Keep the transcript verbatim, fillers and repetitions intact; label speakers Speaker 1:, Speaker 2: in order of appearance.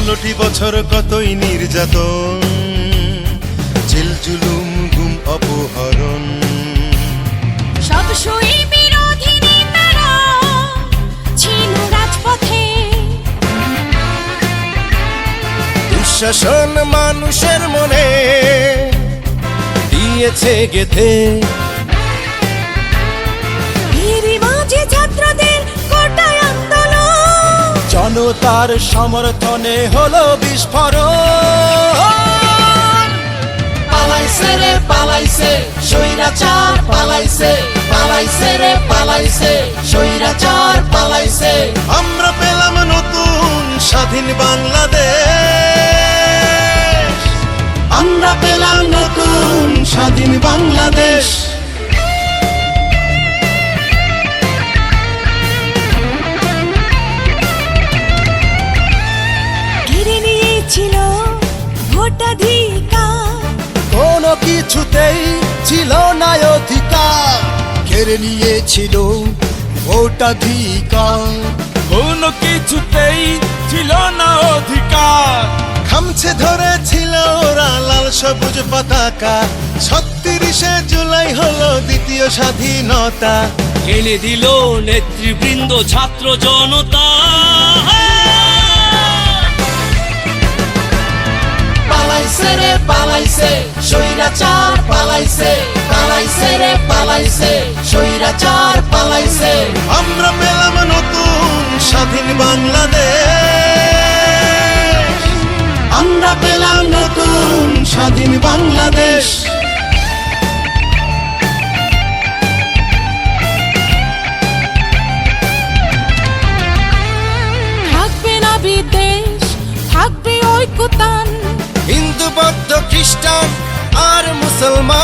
Speaker 1: ষোলোটি বছর কতই নির্যাতন, জেল জুলুম গুম অপহরণ।
Speaker 2: সব সই বিরোধী নেতারা ছিল রাজপথে,
Speaker 1: দুঃশাসন মানুষের মনে দিয়েছে গেথে।
Speaker 2: এরই মাঝে ছাত্রদের কোটায় আন্দোলন,
Speaker 1: জনতার সমর্থনে হলো বিস্ফোরণ।
Speaker 3: পালাইছে রে পালাইছে স্বৈরাচার, পালাইছে পালাইছে রে পালাইছে স্বৈরাচার, পালাইছে।
Speaker 1: আমরা পেলাম নতুন স্বাধীন বাংলাদেশ,
Speaker 3: আমরা পেলাম নতুন স্বাধীন বাংলাদেশ।
Speaker 2: ঘিরে নিয়েছিল ভোটাধিকার,
Speaker 1: কোনো কিছুতেই ছিল না অধিকার। কেড়ে নিয়েছিল ভোটাধিকার,
Speaker 4: কোনো কিছুতেই ছিল না অধিকার।
Speaker 1: খামছে ধরেছিল ওরা লাল সবুজ পতাকা। ছত্রিশে জুলাই হলো দ্বিতীয় স্বাধীনতা।
Speaker 5: এনে দিল নেতৃবৃন্দ ছাত্র জনতা।
Speaker 3: পালাইছে রে পালাইছে স্বৈরাচার, পালাইছে পালাইছে রে পালাইছে স্বৈরাচার, পালাইছে।
Speaker 1: আমরা পেলাম নতুন স্বাধীন বাংলাদেশ,
Speaker 3: আমরা পেলাম নতুন স্বাধীন বাংলাদেশ।
Speaker 2: থাকবে না বিদ্বেষ, থাকবে ঐক্যতান,
Speaker 1: হিন্দু বৌদ্ধ খ্রিস্টান আর মুসলমান।